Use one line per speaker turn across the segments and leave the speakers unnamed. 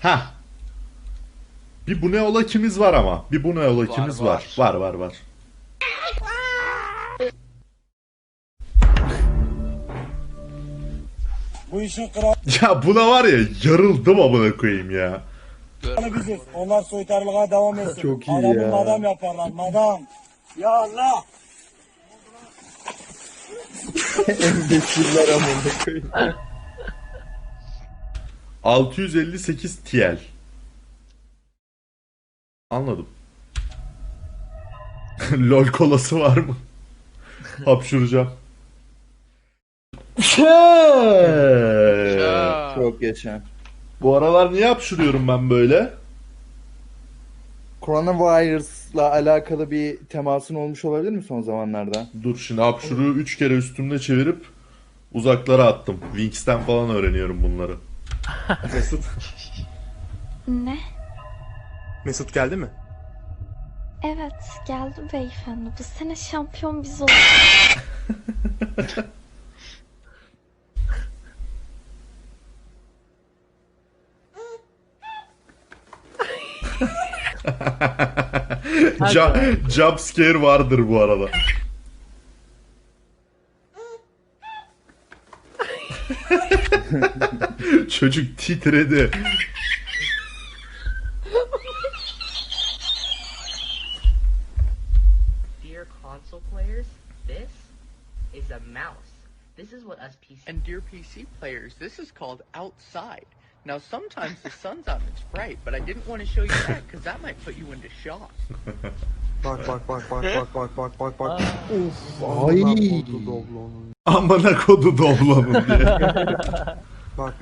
Ha. Bir bu ne ola kimiz var ama. Bir bu ne ola kimiz var.
var.
Var.
Bu işin kralı
Ya buna var ya yarıldım amına koyayım ya.
biziz. Onlar soytarılığa devam etsin.
Çok iyi
Adamı
ya.
madam yaparlar, madam. Ya Allah!
Embesiller amına koyayım.
658 TL. Anladım. LOL kolası var mı? Hapşuracağım.
Ya.
Çok geçen.
Bu aralar niye hapşuruyorum ben böyle?
Coronavirus'la alakalı bir temasın olmuş olabilir mi son zamanlarda?
Dur şimdi hapşuruğu 3 kere üstümde çevirip uzaklara attım. Wings'ten falan öğreniyorum bunları.
Mesut.
Ne?
Mesut geldi mi?
Evet, geldi beyefendi. Bu sene şampiyon biz olduk.
Jump scare vardır bu arada. Çocuk titredi.
Dear console players, this is a mouse. This is what us PC.
And dear PC players, this is called outside. Now sometimes the sun's out and it's bright, but I didn't want to show you that because that might put you into shock.
Bak.
Ay.
Amına kodu doblonun diye.
Bak.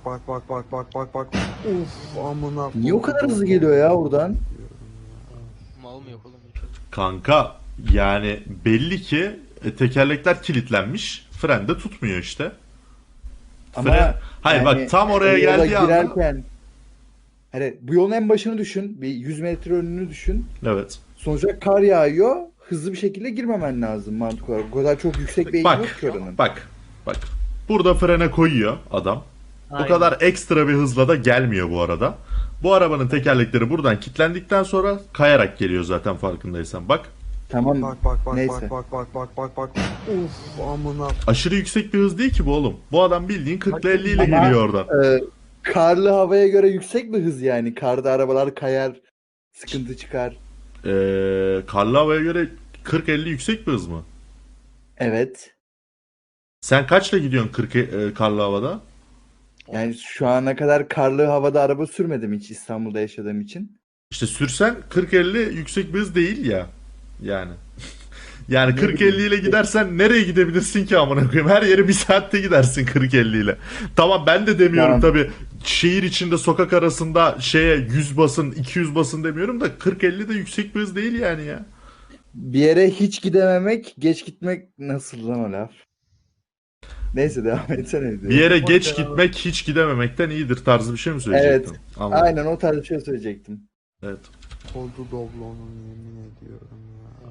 Uf amına.
Niye o kadar hızlı geliyor ya buradan?
Mal mı yok oğlum bu çocuk?
Kanka yani belli ki tekerlekler kilitlenmiş. Fren de tutmuyor işte.
Ama
Hayır
yani
bak tam oraya
yola
geldiği anda.
girerken hani bu yolun en başını düşün. Bir 100 metre önünü düşün.
Evet.
Sonuçta kar yağıyor. Hızlı bir şekilde girmemen lazım mantık olarak. O kadar çok yüksek bir eğim yok
Bak.
ki oranın.
Bak. Burada frene koyuyor adam. Bu kadar ekstra bir hızla da gelmiyor bu arada. Bu arabanın tekerlekleri buradan kilitlendikten sonra kayarak geliyor zaten farkındaysan. Bak.
Tamam.
Bak.
Neyse.
Uf amına.
Aşırı yüksek bir hız değil ki bu oğlum. Bu adam bildiğin 40 50 ile
Ama-
geliyor oradan.
Karlı havaya göre yüksek bir hız yani. Karda arabalar kayar. Sıkıntı çıkar.
Karlı havaya göre 40-50 yüksek bir hız mı?
Evet.
Sen kaçla gidiyorsun karlı havada?
Yani şu ana kadar karlı havada araba sürmedim hiç İstanbul'da yaşadığım için.
İşte sürsen 40-50 yüksek bir hız değil ya. Yani. Yani 40-50 ile gidersen nereye gidebilirsin ki amına koyayım? Her yere bir saatte gidersin 40-50 ile. Tamam ben de demiyorum
Tamam.
tabii. Şehir içinde sokak arasında 100 basın 200 basın demiyorum da 40-50 de yüksek bir hız değil yani ya.
Bir yere hiç gidememek, geç gitmek nasıl lan o laf? Neyse devam etsene.
Bir yere geç gitmek hiç gidememekten iyidir tarzı bir şey mi söyleyecektin?
Evet.
Anladım.
Aynen o tarz bir şey söyleyecektim.
Evet.
Kodu doblonun yemin ediyorum ya.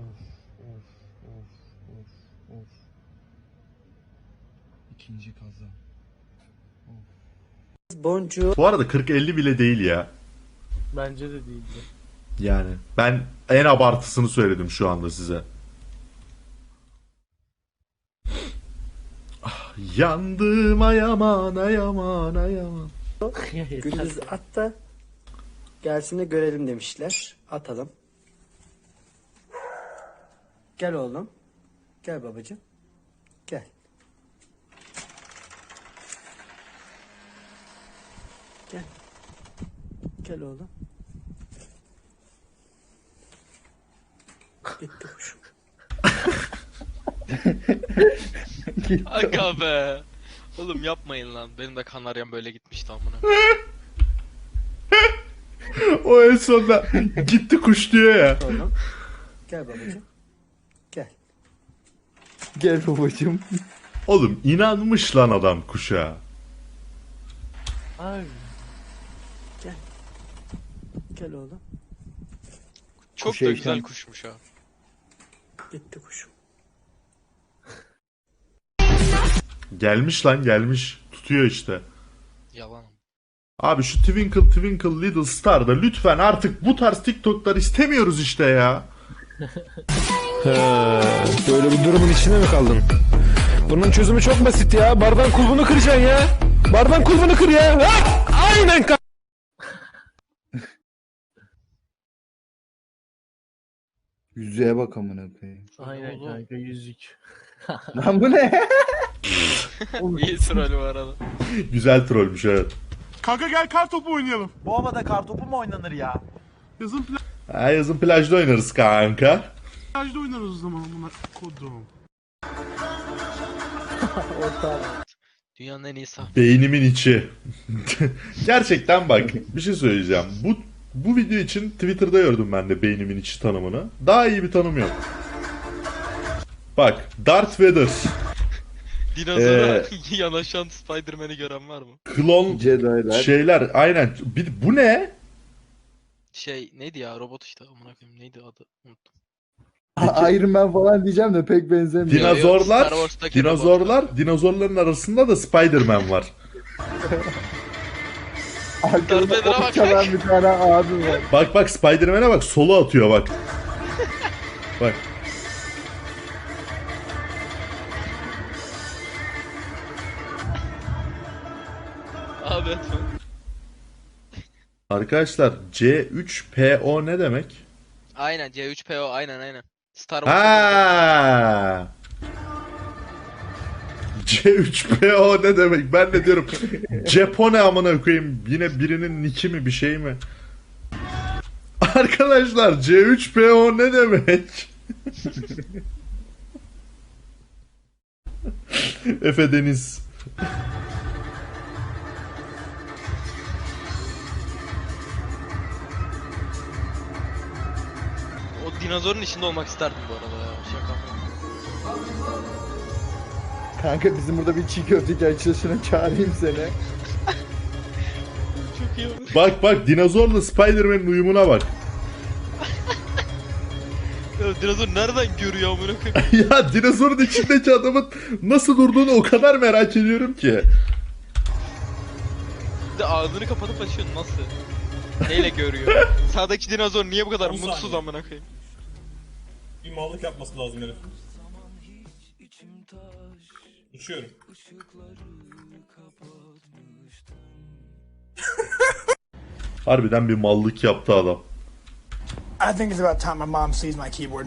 İkinci kaza.
Boncuğu.
Bu arada 40-50 bile değil ya.
Bence de değildi.
Yani ben en abartısını söyledim şu anda size. Ah, yandım ayaman.
Gündüz at da gelsin de görelim demişler. Atalım. Gel oğlum. Gel babacığım. Gel. Gel. Gel oğlum. Gitti kuşum.
Aga be. Oğlum yapmayın lan. Benim de kanaryam böyle gitmişti amına.
O en sonunda gitti kuş diyor ya.
Oğlum. Gel babacığım. Gel.
Gel babacığım.
Oğlum inanmış lan adam kuşa.
Ay.
Gel oğlum.
Çok
Kuş
da
heyecan.
güzel kuşmuş ha.
Gitti kuşum.
Gelmiş lan gelmiş. Tutuyor işte.
Yalan.
Abi şu Twinkle Twinkle Little Star'da lütfen artık bu tarz TikTok'lar istemiyoruz işte ya.
Böyle bir durumun içinde mi kaldın? Bunun çözümü çok basit ya. Bardağın kulbunu kıracaksın ya. Bardağın kulbunu kır ya. Ha! Aynen
Yüzüğe bak amına koyayım.
Aynen kanka yüzük.
Lan bu ne?
İyi troll bu arada.
Güzel trollmüş evet.
Kanka gel kar topu oynayalım.
Bu havada kartopu mu oynanır ya?
Yazın
Ha, yazın plajda oynarız kanka.
plajda oynarız o zaman buna kodum.
Dünyanın en iyi sah.
Beynimin içi. Gerçekten bak bir şey söyleyeceğim. Bu video için Twitter'da gördüm ben de beynimin içi tanımını. Daha iyi bir tanım yok. Bak Darth Vader,
Dinozora yanaşan Spider-Man'i gören var mı?
klon
Jedi'lar.
şeyler aynen. Bu ne?
Şey neydi ya robot işte amına koyayım neydi adı unuttum.
Iron Man falan diyeceğim de pek benzemiyor.
Dinozorlar,
Star Wars'taki robot.
dinozorların arasında da Spider-Man var.
Arkada
Darth Vader'a bak.
ok çalan bir tane abi var.
Bak Spider-Man'e bak solo atıyor bak. Bak.
Abi etme.
Arkadaşlar C3PO ne demek?
Aynen C3PO aynen. Star Wars.
Ha. C3PO ne demek? Ben de diyorum Japone amına koyayım. Yine birinin nicki mi bir şey mi? Arkadaşlar C3PO ne demek? Efe Deniz.
O dinozorun içinde olmak isterdim bu arada ya. Şaka yapıyorum.
Kanka bizim burada bir çiğ köfteci açılışına çağırayım seni.
Çok iyi olur.
Bak dinozorla Spider-Man'in uyumuna bak.
Ya dinozor nereden görüyor amına koyayım?
Ya dinozorun içindeki adamın nasıl durduğunu o kadar merak ediyorum ki.
Bir de ağzını kapatıp açıyor nasıl? Neyle görüyor? Sağdaki dinozor niye bu kadar mutsuz amına koyayım?
Bir mallık yapması lazım herif. Uçuyorum.
Harbiden bir mallık yaptı adam.
I think it's about time my mom sees my keyboard.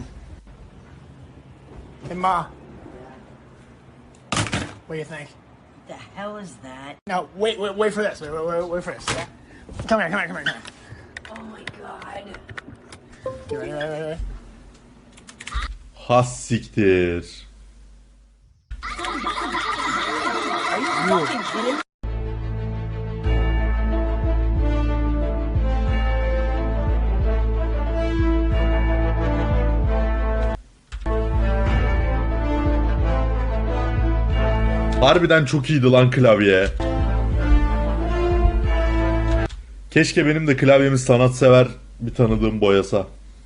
Hey Ma. What do you think?
The hell is that?
No, wait for this. Wait for this. Come here.
Oh my god.
You ready?
Has siktir. Harbiden çok iyiydi lan klavye. Keşke benim de klavyemi sanatsever bir tanıdığım boyasa.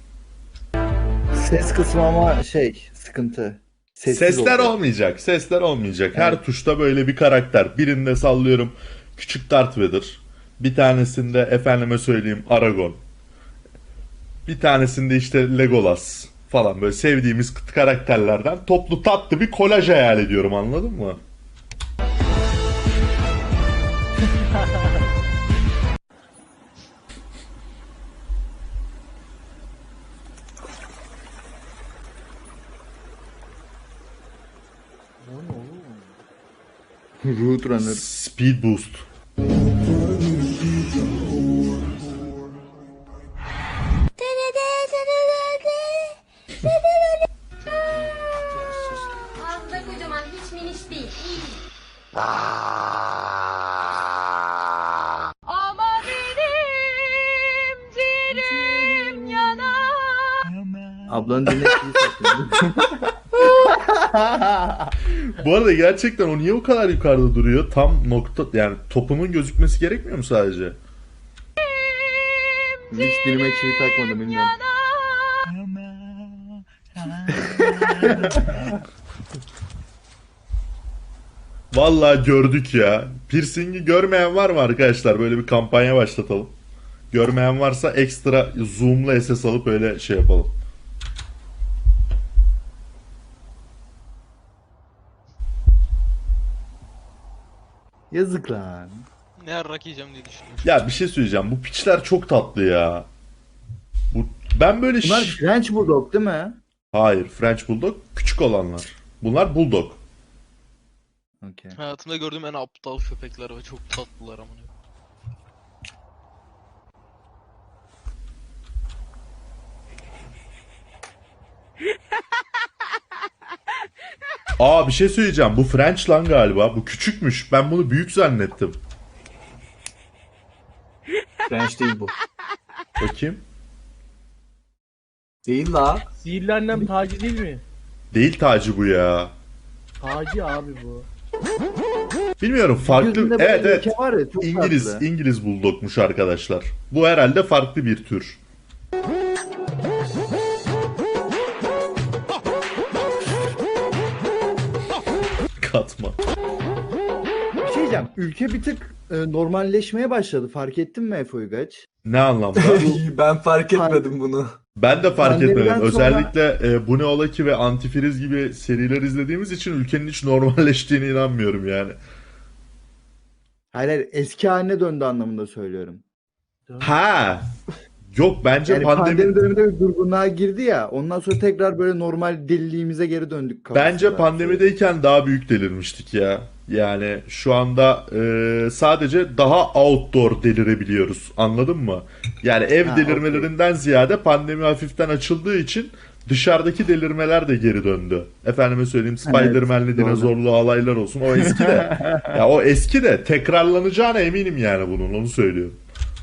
Ses kısmı ama sıkıntı. Sessiz
Sesler
oldu.
olmayacak. Sesler olmayacak. Her tuşta böyle bir karakter. Birinde sallıyorum küçük Darth Vader. Bir tanesinde efendime söyleyeyim Aragorn. Bir tanesinde işte Legolas falan böyle sevdiğimiz karakterlerden toplu tatlı bir kolaj hayal ediyorum anladın mı?
Roadrunner.
Speed Boost.
Ağzında kocaman hiç miniş değil. Ama benim ciğerim yanar.
Ablanın diline çiğ satıyor.
Bu arada gerçekten o niye o kadar yukarıda duruyor? Tam nokta yani topumun gözükmesi gerekmiyor mu sadece?
Hiç dilime çivi takmadım bilmiyorum.
Vallahi gördük ya. Piercing'i görmeyen var mı arkadaşlar? Böyle bir kampanya başlatalım. Görmeyen varsa ekstra zoom'la SS alıp öyle şey yapalım.
Yazık lan.
Ne yarrak yiyeceğim diye düşünüyorum.
Ya bir şey söyleyeceğim. Bu piçler çok tatlı ya. Ben böyle
Bunlar French Bulldog değil mi?
Hayır, French Bulldog küçük olanlar. Bunlar Bulldog.
Okey.
Hayatımda gördüğüm en aptal köpekler ve çok tatlılar amına.
Aa bir şey söyleyeceğim. Bu French lan galiba. Bu küçükmüş. Ben bunu büyük zannettim.
French değil bu.
Bakayım.
Değil la.
Sihirli annem Taci değil mi?
Değil tacı bu ya.
Taci abi bu.
Bilmiyorum farklı.
Yüzünde böyle
Evet evet.
leke var ya, çok
İngiliz
tatlı.
İngiliz Bulldog'muş arkadaşlar. Bu herhalde farklı bir tür. Katma.
Bir şey diyeceğim. Ülke bir tık normalleşmeye başladı. Fark ettin mi Efe Uygaç?
Ne anlamda?
Ben fark etmedim bunu.
Ben de fark
Pandemiden
etmedim.
sonra-
Özellikle Bu Ne Ola Ki ve Antifriz gibi seriler izlediğimiz için ülkenin hiç normalleştiğine inanmıyorum yani.
Hayır, hayır, eski haline döndü anlamında söylüyorum.
Ha. Yok bence
Yani pandemi döneminde bir durgunluğa girdi ya. Ondan sonra tekrar böyle normal deliliğimize geri döndük.
Bence
kafasında.
pandemideyken daha büyük delirmiştik ya. Yani şu anda sadece daha outdoor delirebiliyoruz. Anladın mı? Yani ev
Ha,
delirmelerinden ziyade pandemi hafiften açıldığı için dışarıdaki delirmeler de geri döndü. Efendime söyleyeyim Spider-Man'li
doğru.
dinozorlu alaylar olsun. O eski de. Ya o eski de tekrarlanacağına eminim yani bunun. Onu söylüyorum.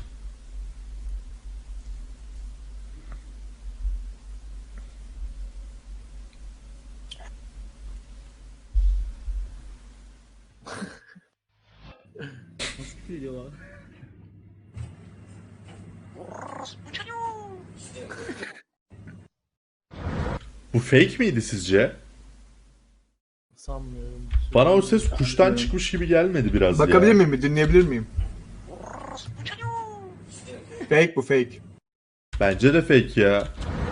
Bu fake miydi sizce?
Sanmıyorum.
Bana o ses kuştan çıkmış gibi gelmedi biraz
Bakabilir
ya.
miyim? Dinleyebilir miyim? Fake bu fake.
Bence de fake ya.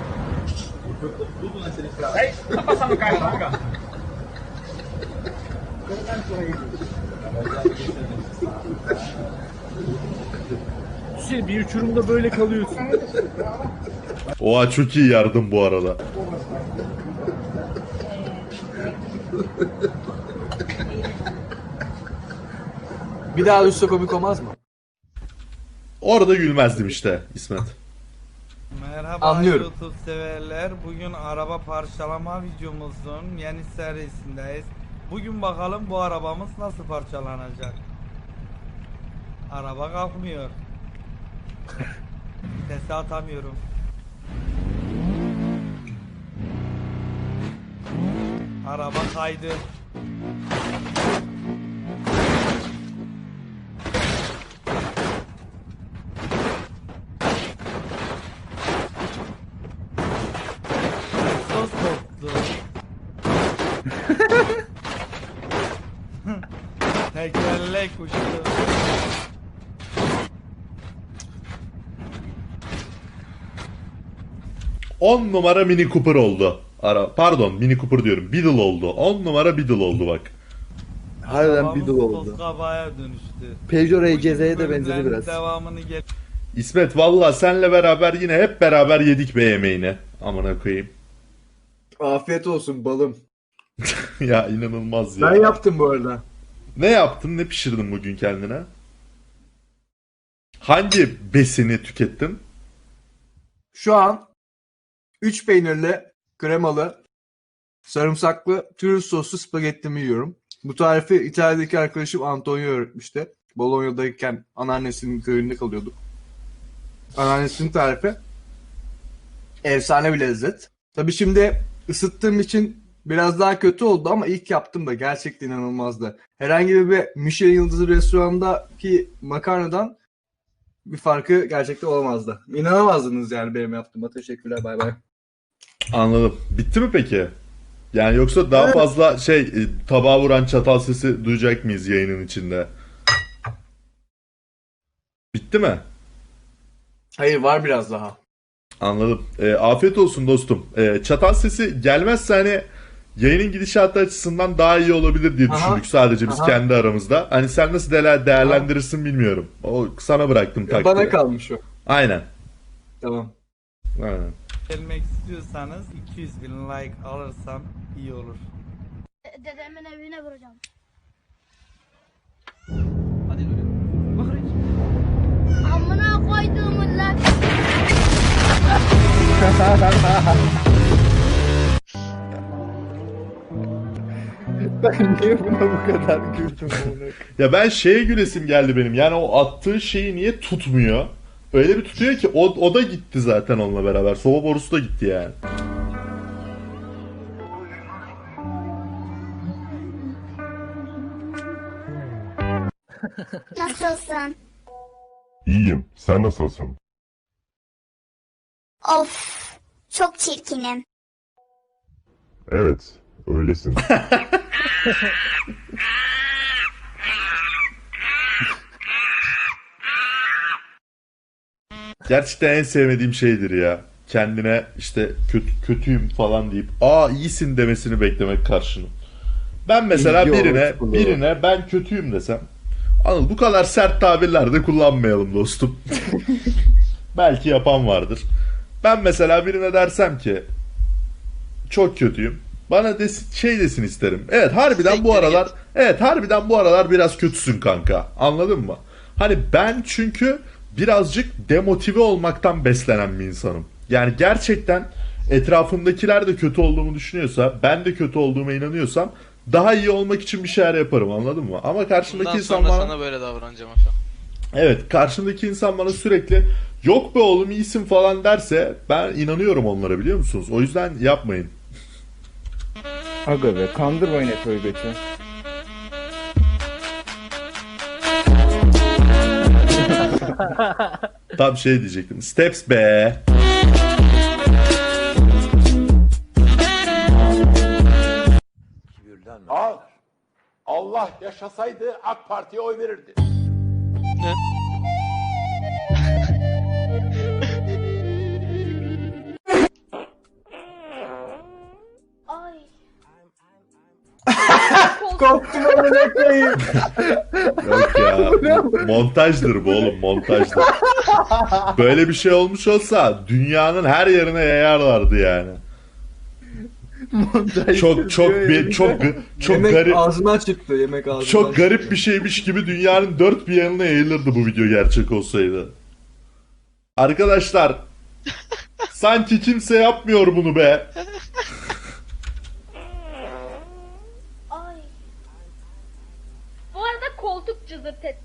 Şey, bir uçurumda böyle kalıyorsun.
Oha çok iyi yardım bu arada.
Bir daha düşse komik olmaz mı?
Orada gülmezdim işte İsmet.
Merhaba
Anlıyorum.
YouTube severler. Bugün araba parçalama videomuzun yeni serisindeyiz. Bugün bakalım bu arabamız nasıl parçalanacak. Araba kalkmıyor. Vitesi atamıyorum. Araba kaydı. Sos koptu. Tekerlek uçtu.
On numara Mini Cooper oldu. Pardon Mini Cooper diyorum. Beetle oldu. 10 numara Beetle oldu bak.
Harbiden
Arabamız
bir dolu oldu.
toz kabağına dönüştü.
Peugeot
Bugün
RCZ'ye de benzedi
bölümlerin
biraz.
Devamını gel.
İsmet valla senle beraber yine hep beraber yedik be yemeğini. Amına koyayım.
Afiyet olsun balım.
Ya inanılmaz ya.
Ben yaptım bu arada.
Ne yaptın? Ne pişirdin bugün kendine? Hangi besini tükettin?
Şu an 3 peynirli, kremalı, sarımsaklı, türlü soslu spagettimi yiyorum. Bu tarifi İtalya'daki arkadaşım Antonio öğretmişti. Bologna'dayken anneannesinin köyünde kalıyorduk. Anneannesinin tarifi. Efsane bir lezzet. Tabii şimdi ısıttığım için biraz daha kötü oldu ama ilk yaptım da gerçekten inanılmazdı. Herhangi bir Michelin yıldızı restorandaki makarnadan bir farkı gerçekten olamazdı. İnanamazdınız yani benim yaptığıma. Teşekkürler, bay bay.
Anladım. Bitti mi peki? Yani yoksa daha fazla tabağa vuran çatal sesi duyacak mıyız yayının içinde? Bitti mi?
Hayır, var biraz daha.
Anladım. Afiyet olsun dostum. Çatal sesi gelmezse hani yayının gidişatı açısından daha iyi olabilir diye düşündük sadece biz kendi aramızda. Hani sen nasıl değerlendirirsin bilmiyorum. O sana bıraktım takdiri.
Bana kalmış o.
Aynen.
Tamam.
Aynen.
Gelmek istiyorsanız 200 bin like alırsam iyi olur.
Dedemin evine vuracağım. Amına koyduğumun lan.
Ben niye buna bu kadar güldüm?
Ya ben şeye gülesim geldi benim. Yani o attığı şeyi niye tutmuyor? Öyle bir tutuyor ki o da gitti zaten onunla beraber. Soba borusu da gitti yani.
Nasılsın?
İyiyim. Sen nasılsın?
Of, çok çirkinim.
Evet. Öylesin.
Gerçekten en sevmediğim şeydir ya. Kendine işte kötüyüm falan deyip iyisin demesini beklemek karşının. Ben mesela
İlgi
birine ben kötüyüm desem, Anıl bu kadar sert tabirler de kullanmayalım dostum. Belki yapan vardır. Ben mesela birine dersem ki çok kötüyüm. Bana desin isterim. Evet harbiden bu aralar biraz kötüsün kanka. Anladın mı? Hani ben çünkü birazcık demotive olmaktan beslenen bir insanım. Yani gerçekten etrafımdakiler de kötü olduğumu düşünüyorsa, ben de kötü olduğuma inanıyorsam daha iyi olmak için bir şeyler yaparım, anladın mı? Ama karşımdaki
Bundan
insan
sonra
bana...
sana böyle davranacağım Efe.
Evet, karşımdaki insan bana sürekli yok be oğlum iyisin falan derse ben inanıyorum onlara, biliyor musunuz? O yüzden yapmayın.
Aga be, kandırmayın Efe'yi göçü.
Tam şey diyecektim. Steps be.
Allah yaşasaydı AK Parti'ye oy verirdi.
Ne?
Ay.
Korktum amına koyayım.
Yok ya. Montajdır bu oğlum, montajdır. Böyle bir şey olmuş olsa dünyanın her yerine yayarlardı yani. Çok
Yemek
garip.
ağzından çıktı. Yemek ağzından
Çok garip bir şeymiş gibi dünyanın dört bir yanına yayılırdı bu video gerçek olsaydı. Arkadaşlar, sanki kimse yapmıyor bunu be.
Ay. Bu arada koltuk cızırt et.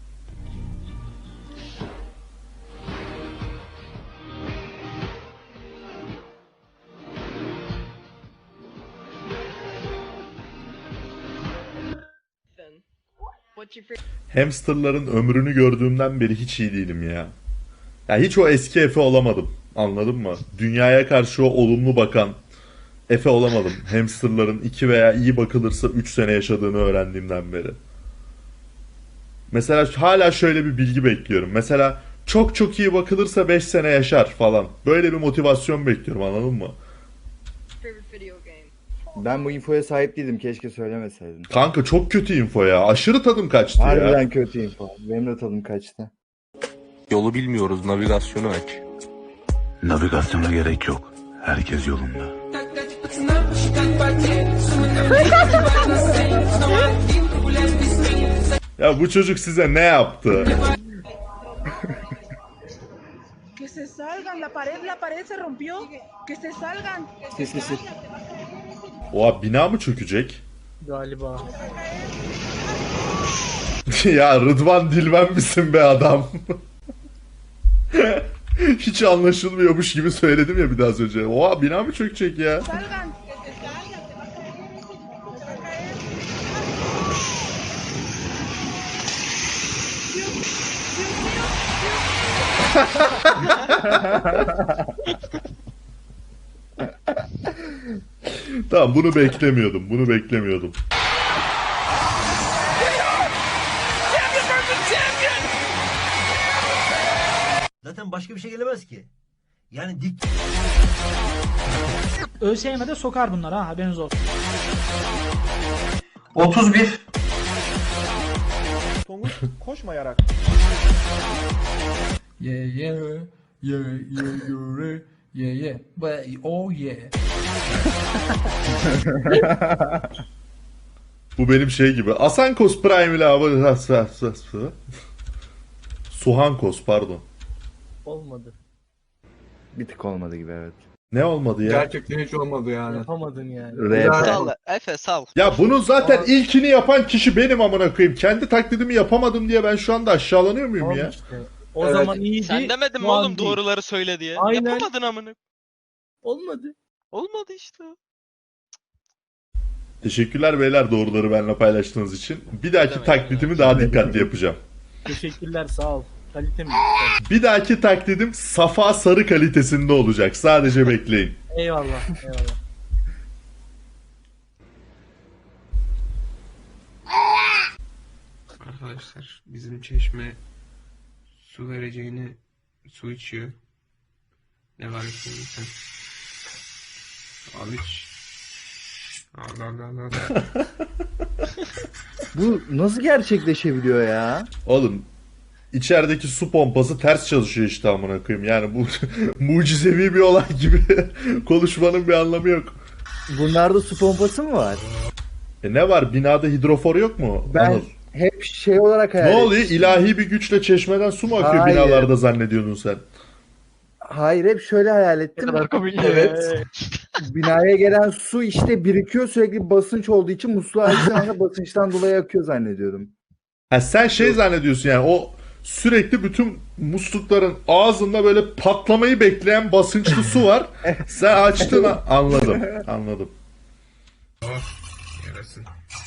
Hamsterların ömrünü gördüğümden beri hiç iyi değilim ya. Ya hiç o eski Efe olamadım. Anladın mı? Dünyaya karşı o olumlu bakan Efe olamadım. Hamsterların 2 veya iyi bakılırsa 3 sene yaşadığını öğrendiğimden beri. Mesela hala şöyle bir bilgi bekliyorum. Mesela çok iyi bakılırsa 5 sene yaşar falan. Böyle bir motivasyon bekliyorum, anladın mı?
Ben bu infoya sahip değildim. Keşke söylemeseydin.
Kanka çok kötü info ya. Aşırı tadım kaçtı ya.
Harbiden kötü info. Benim de tadım kaçtı.
Yolu bilmiyoruz, navigasyonu aç.
Navigasyona gerek yok. Herkes yolunda.
Ya bu çocuk size ne yaptı?
Que se salgan, la pared se rompió. Que se salgan.
Sesi.
Oha, bina mı çökecek?
Galiba.
Ya Rıdvan Dilmen misin be adam? Hiç anlaşılmıyormuş gibi söyledim ya bir daha az önce. Oha, bina mı çökecek ya?
Salgan.
Tamam, bunu beklemiyordum.
Zaten başka bir şey gelemez ki. Yani dik.
ÖSYM'de sokar bunlar ha, haberiniz olsun.
31.
Tonguç koşmayarak.
Yeah yeah yeah yeah yeah yeah but oh yeah.
Bu benim şey gibi. Asankos Prime ile abi. Suhankos pardon.
Olmadı.
Bir tık olmadı gibi, evet.
Ne olmadı ya?
Gerçekten hiç olmadı yani.
Yapamadın yani.
Sal Efe sal.
Ya bunun zaten ilkini yapan kişi benim amına koyayım. Kendi taklidimi yapamadım diye ben şu anda aşağılanıyor muyum ya?
O
Evet.
zaman iyiydi.
Sen demedin mi
şu an
oğlum
değil.
doğruları söyle diye?
Aynen.
Yapamadın amına.
Olmadı.
Olmadı işte.
Teşekkürler beyler doğruları benimle paylaştığınız için. Bir dahaki
Demek,
taklidimi daha dikkatli yapacağım.
Teşekkürler, sağ ol. Kalite mi?
Bir dahaki taklidim Safa Sarı kalitesinde olacak. Sadece bekleyin.
Eyvallah, eyvallah.
Arkadaşlar bizim Çeşme su vereceğini su içiyor. Ne var içinde sen? Al iç. Al.
Bu nasıl gerçekleşebiliyor ya?
Oğlum içerideki su pompası ters çalışıyor işte amına koyayım. Yani bu mucizevi bir olay gibi konuşmanın bir anlamı yok.
Bunlarda su pompası mı var?
Ne var? Binada hidrofor yok mu?
Ben
Anıl.
hep şey olarak
Ne
hayal
oluyor?
etmiştim.
İlahi bir güçle çeşmeden su mu akıyor
Hayır.
binalarda zannediyordun sen?
Hayır, hep şöyle hayal ettim. Evet. Binaya gelen su işte birikiyor, sürekli basınç olduğu için musluğu açtığın anda basınçtan dolayı akıyor zannediyordum.
Ha sen şey zannediyorsun yani o sürekli bütün muslukların ağzında böyle patlamayı bekleyen basınçlı su var. Sen açtın anladım. Anladım.
Yarasın.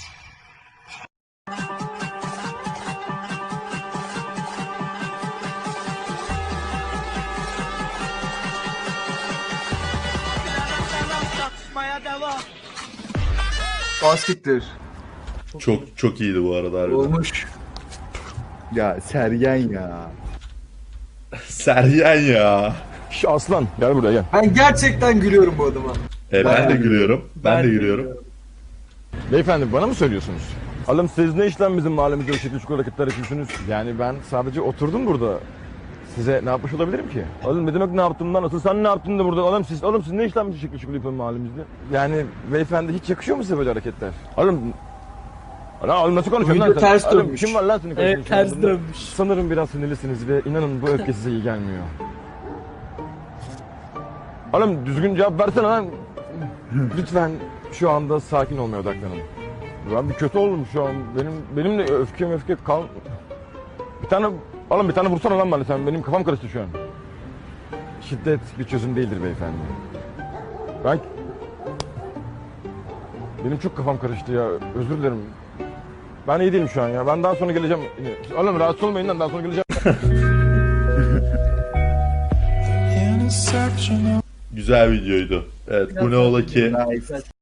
Baskettir.
Çok iyiydi bu arada harbiden.
Olmuş.
Ya Sergen ya.
Seryen ya.
Şu aslan gel buraya gel.
Ben gerçekten gülüyorum bu adama.
Ben de gülüyorum. Ben de gülüyorum.
Beyefendi bana mı söylüyorsunuz? Oğlum siz ne işlem bizim mahallemizde o şekil çukur hareketler yapıyorsunuz? Yani ben sadece oturdum burada. Size ne yapmış olabilirim ki? Oğlum ne demek ne yaptım lan? Asıl sen ne yaptın da burada? Oğlum siz ne işlem bu şekil çukur yapıyorsun mahallemizde? Yani beyefendi hiç yakışıyor mu size böyle hareketler? Oğlum nasıl konuşuyorsun lan
Video
sen?
ters
Oğlum,
dönmüş.
kim var lan senin karşında
Evet,
şu anda?
ters dönmüş.
Sanırım biraz sinirlisiniz ve inanın bu öfke size iyi gelmiyor. Oğlum düzgün cevap versene lan. Lütfen şu anda sakin olmaya odaklanın. Ben bir kötü oldum şu an. Benim de öfke kal. Bir tane vursana lan bana sen. Benim kafam karıştı şu an. Şiddet bir çözüm değildir beyefendi. Benim çok kafam karıştı ya. Özür dilerim. Ben iyi değilim şu an ya. Ben daha sonra geleceğim. Oğlum rahatsız olmayın lan. Daha sonra geleceğim.
Güzel videoydu. Evet bu ne ola ki
Nice.